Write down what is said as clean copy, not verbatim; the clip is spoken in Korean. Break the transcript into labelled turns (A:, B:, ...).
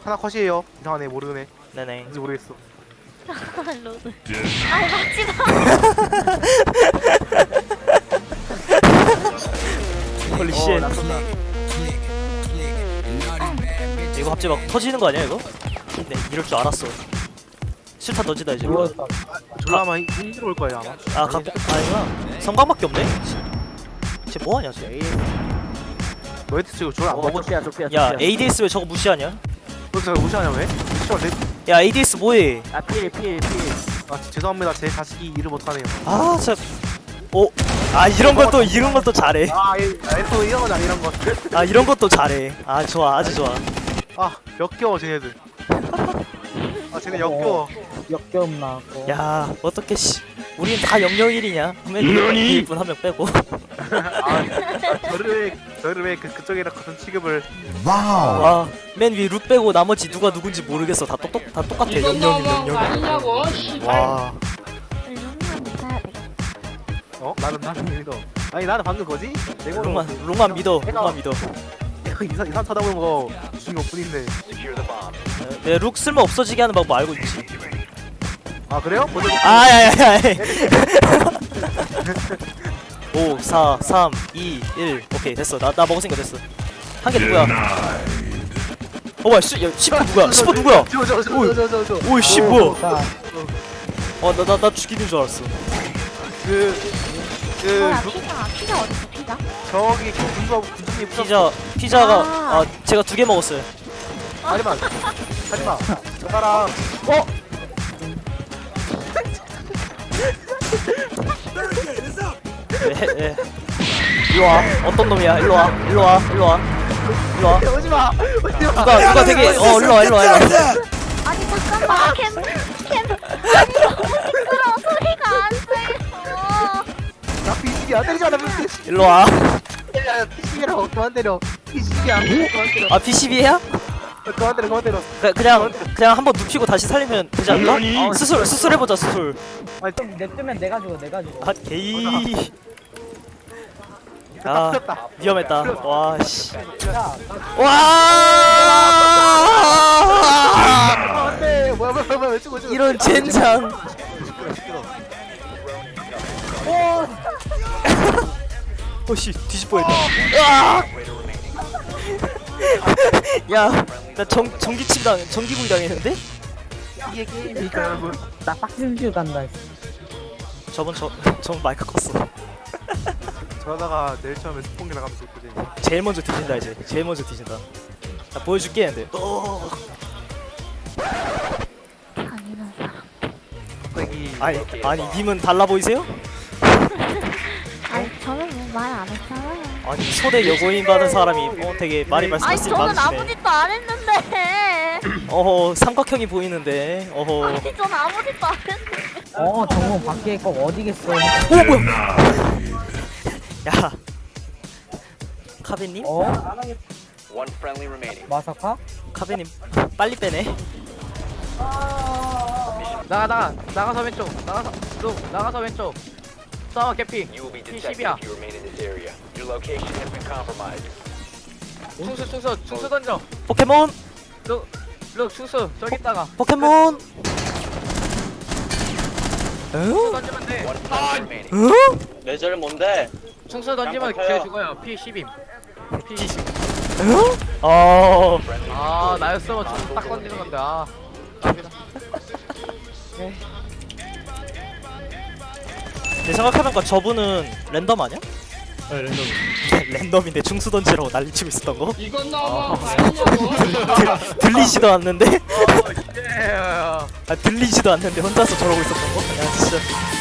A: 하나 컷이에요. 이상하네 모르네.
B: 네네.
A: 뭔지 모르겠어.
C: 로드. 아이 맞지 마.
B: 홀리 쉣.
A: 낯선다.
B: 이거 갑자기 막 터지는 거 아니야 이거? 네 이럴 줄 알았어. 실탄 던지다 이제.
A: 졸라 아마 힘들어 올 거예요 아마.
B: 아니구나. 성광밖에 없네. 쟤 뭐하냐 쟤.
A: 너희들 지금 졸라 안 먹어.
B: 야 ADS 왜 저거 무시하냐?
A: 너희들 무시하냐 왜? 시월 내.
B: 야 ADS 뭐해?
A: 아 죄송합니다. 제 자식이 일을 못하네요.
B: 아 진짜. 오. 아 이런 것도 잘해.
A: F 이런 거잖아 이런 거.
B: 아 이런 것도 잘해. 아 좋아 아주 좋아.
A: 아 역겨워 쟤네들. 아 쟤네 역겨워.
D: 역겨움 나고.
B: 야 어떻게 씨. 우린 다 001이냐? 맨 분 한 명 빼고.
A: 저를 왜 그쪽이랑 같은 취급을.
B: 와, 맨 위 룻 빼고 나머지 누가 누군지 모르겠어. 다 똑같아. 001. 와,
C: 룸만 믿어야 돼.
A: 어? 나는 믿어. 아니 나는 방금 거지?
B: 롱만 믿어.
A: 이상 쳐다보는 거 주신 것 뿐인데.
B: 내 룩 쓸모 없어지게 하는 방법 알고 있지.
A: 아 그래요? 먼저
B: 아야야야. 5, 4, 3, 2, 1. 오케이 됐어. 나 먹었으니까 됐어. 한 개 누구야? 뭐야? 야, 10번 누구야? 10번 누구야?
A: 저.
B: 오이 씨 뭐야?
D: 자,
B: 나 죽이는 줄 알았어.
C: 뭐야 피자 어딨어 피자?
A: 저기 군주님
B: 피자가 제가 2개 먹었어요.
A: 하지마 저 사람
B: 예. 일로 와. 어떤 놈이야? 일로 와.
A: 오지마
B: 누가 되게 일로 와.
C: 아니 잠깐만 아니 너무 시끄러워 소리가 안 들려.
A: 나 피식이야 때리잖아
B: 일로 와.
A: 피식이라고 그만 때려 피식이야 그만 때려
B: 아 PCB야?
A: 그만 때려
B: 그냥 한번 눕히고 다시 살리면 되지 않나? 수술 해보자 수술.
A: 아니
D: 좀 냅두면 내가 죽어.
B: 아 게이.
A: 다
B: 아
A: 풀렸다
B: 위험했다. 와 씨.
D: 야,
B: 와.
A: 안돼 뭐야 왜 죽어
B: 이런 젠장. 오씨 뒤집어했다. 야, 나 전기구이 당했는데?
A: 이게 게임이니까 여러분
D: 나 빡심줄 간다.
B: 저번 마이크 껐어.
A: 저러다가 내일 처음에 스폰기 나가면서 있거든
B: 제일 먼저 뒤진다 이제. 나 보여줄게 근데.
C: 아니는 사람.
A: 갑자기
B: 아니 님은 달라 보이세요?
C: 아니 저는 뭐 말 안 했잖아요.
B: 아니 초대 여고인 받은 사람이 되게 말이
C: 아니
B: 말씀하시지
C: 저는 아무
B: 많으시네.
C: 짓도 안 했는데.
B: 삼각형이 보이는데.
C: 아니 저는 아무 짓도 안 했는데.
D: 정문 밖에 꼭 어디겠어.
B: 뭐야? 야, 카베님?
E: One friendly remaining.
D: 마사카?
B: 카베님 빨리 빼네.
F: 나가서 왼쪽 나가서 왼쪽 싸워 개피
E: You will be detected
F: P10이야.
E: if you remain in this area. Your location has been compromised.
F: 충수 던져
B: 포켓몬.
F: 룩 충수 저기 있다가
B: 포켓몬.
F: 충수 던지면 돼
E: One friendly remaining.
G: 레저를 뭔데?
F: 충수 던지면
G: 깜빡해요.
F: 걔 죽어요 P10임 아 나였으면 충수 딱 던지는 건데 아 깜이다.
B: 내 생각해보니까 저분은 랜덤 아니야?
F: 네 랜덤
B: 랜덤인데 중수 던지라고 난리치고 있었던 거?
F: 이건 나와 아니냐고
B: 들리지도 않는데?
F: 예
B: 들리지도 않는데 혼자서 저러고 있었던 거? 야 진짜